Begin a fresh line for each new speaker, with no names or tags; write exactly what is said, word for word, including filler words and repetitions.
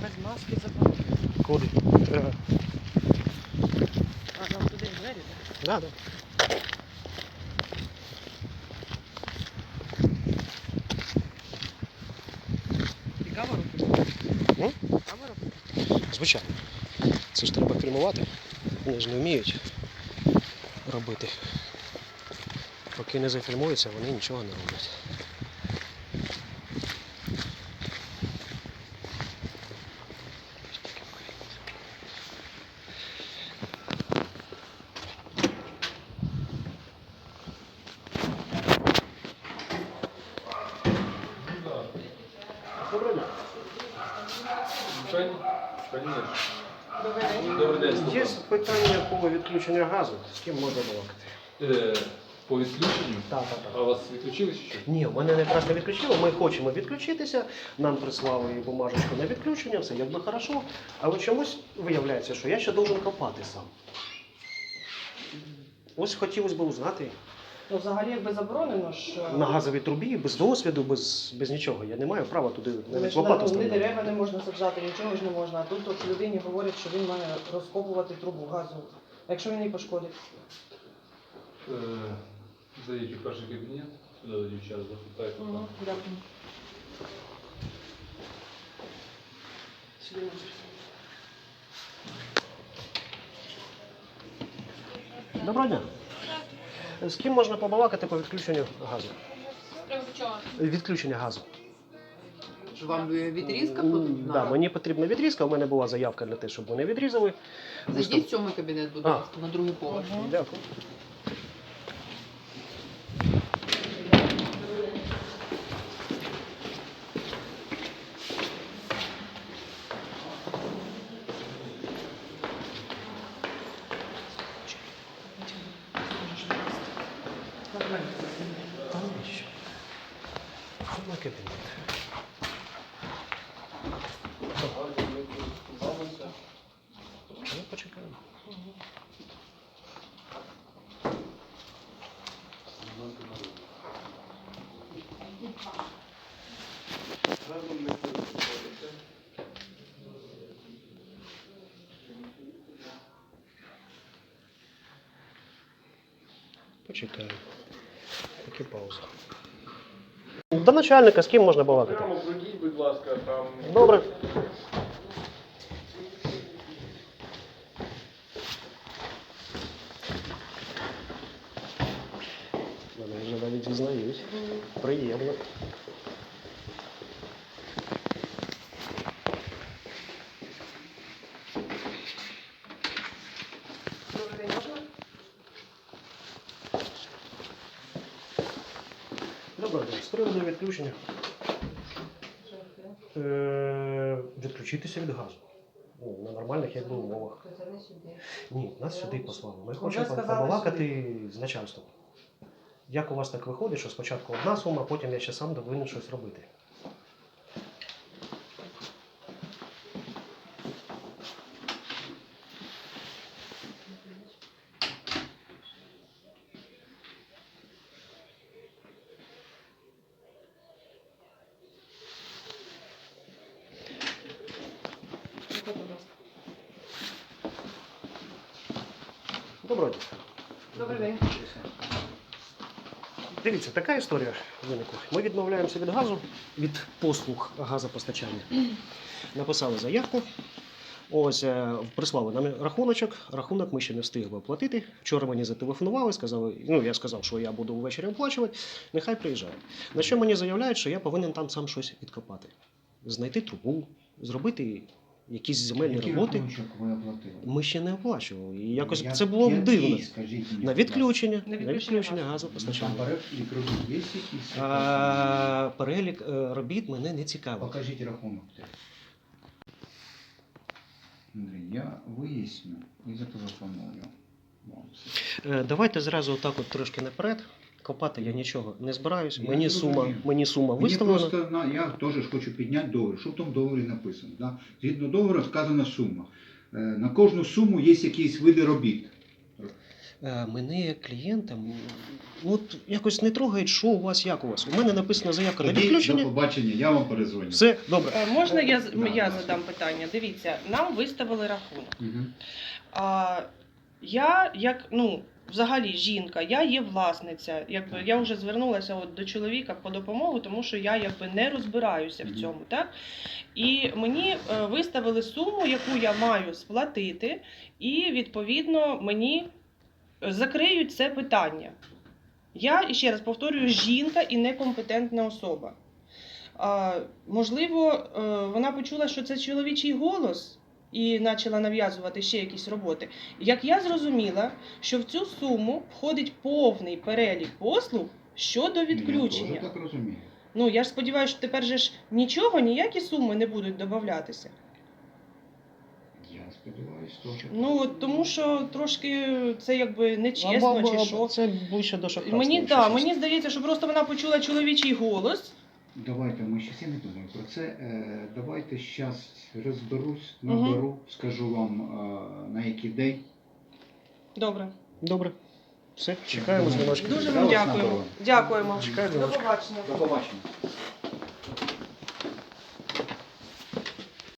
Без маски забрали.
Куди? Треба.
А, нам туди двері, так?
Да, да.
І камеру?
Ну?
Камеру?
Звичайно. Це ж треба фільмувати. Вони ж не вміють робити. Поки не зафільмуються, вони нічого не роблять. Доброго дня.
Конечно.
Добрий день.
Добрий день.
Є питання по відключенню газу. З ким можна балакати?
Е, По відключенню?
Так, так,
А
так.
вас відключили чи що?
Ні, в мене якраз не відключило. Ми хочемо відключитися. Нам прислали бумажечку на відключення, все якби хорошо. Але чомусь виявляється, що я ще должен копати сам. Ось хотілося б узнати.
Ну, взагалі, якби заборонено ж...
На газовій трубі, без досвіду, без, без нічого. Я не маю права туди
Ми
навіть
ж,
лопату
ну, ні
ставити.
дерева не можна саджати, нічого ж не можна. А тут от людині говорять, що він має розкопувати трубу газову. А якщо він її пошкодить?
Е, Зайдіть у перший кабінет, сюди до дівчат запитайте.
Угу, дякую. Сюди можеш.
Доброго дня. З ким можна побалакати по відключенню газу?
Чого?
Відключення газу.
Що вам відрізка
М,
потрібна?
Да, мені потрібна відрізка, у мене була заявка для того, щоб вони відрізали.
Зайдіть в сьомий кабінет, будь
А.
ласка, на другий поверх.
Дякую. Та навіщо? Сьомий кабінет. Ну, почекаємо. Почекаємо. Поки пауза. До начальника з ким можна балакати?
Прямо пройдіть, будь ласка, там.
Добре. Вони вже навіть зізнають. Приємно.
Добрий день, можна?
Добре, з приводу відключення. Е, відключитися від газу. Ну, на нормальних якби умовах. Ні, нас сюди послали. Ми хочемо
сказали
побалакати з начальством. Як у вас так виходить, що спочатку одна сума, потім я ще сам повинен щось робити?
Приходь, будь ласка.
Доброго дня.
Добрий день.
Дивіться, така історія виникла. Ми відмовляємося від газу, від послуг газопостачання. Написали заявку. Ось е, прислали нам рахуночок. Рахунок ми ще не встигли оплатити. Вчора мені зателефонували, сказали, ну я сказав, що я буду ввечері оплачувати, нехай приїжджає. На що мені заявляють, що я повинен там сам щось відкопати. Знайти трубу, зробити якісь земельні
Який
роботи.
рахунок ви оплатили?
Ми ще не оплачували. І якось
Я-
це було
який,
дивно.
скажіть мені,
На
будь ласка?
відключення,
На
на
відключення
відключення
газу.
газопостачання.
Там перелік робіт є якийсь?
А, перелік е, робіт мене не цікавить.
Покажіть рахунок. Андрій, я виясню і зателефоную вам.
Е, Давайте зразу отак от трошки наперед. Копати я нічого не збираюсь.
Я
Мені
зрозумів.
сума, мені сума
Мені
виставлена.
просто, на- я теж ж хочу підняти договір. Що в тому договорі написано? Да? Згідно договору сказана сума. Е, На кожну суму є якісь види робіт.
Е, Мене як клієнта, м, ну, от якось не трогають, що у вас, як у вас. У мене написана заявка на
Тоді до
відключення.
побачення, я вам перезвоню.
Все, добре.
Е, Можна я, з-
Да,
я
да.
задам питання? Дивіться, нам виставили рахунок.
Мгм.
А я, як ну, взагалі жінка, я є власниця. Якби я вже звернулася от до чоловіка по допомогу, тому що я якби не розбираюся в
Мгм.
цьому, так? І мені е, виставили суму, яку я маю сплатити, і відповідно мені закриють це питання. Я і ще раз повторюю, жінка і некомпетентна особа. А, можливо, е, вона почула, що це чоловічий голос, і почала нав'язувати ще якісь роботи. Як я зрозуміла, що в цю суму входить повний перелік послуг щодо
Я
відключення.
теж так розумію.
Ну, я ж сподіваюся, що тепер же ж нічого, ніякі суми не будуть додаватися.
Я сподіваюся, теж.
Ну, от тому що трошки це якби нечесно,
Або-
чи
або-
що.
Це більше до шахрайства.
Мені,
якщо
да,
чесно.
мені здається, що просто вона почула чоловічий голос.
Давайте, ми ще я не думаю про це. Е, Давайте зараз розберусь,
Мгм.
наберу, скажу вам е, на який день.
Добре.
Добре. Все, чекаємо дзвіночки.
Дуже
Я
вам
вас
дякуємо.
наберу.
Дякуємо.
Чекаю
До
дзвіночки.
побачення.
До побачення.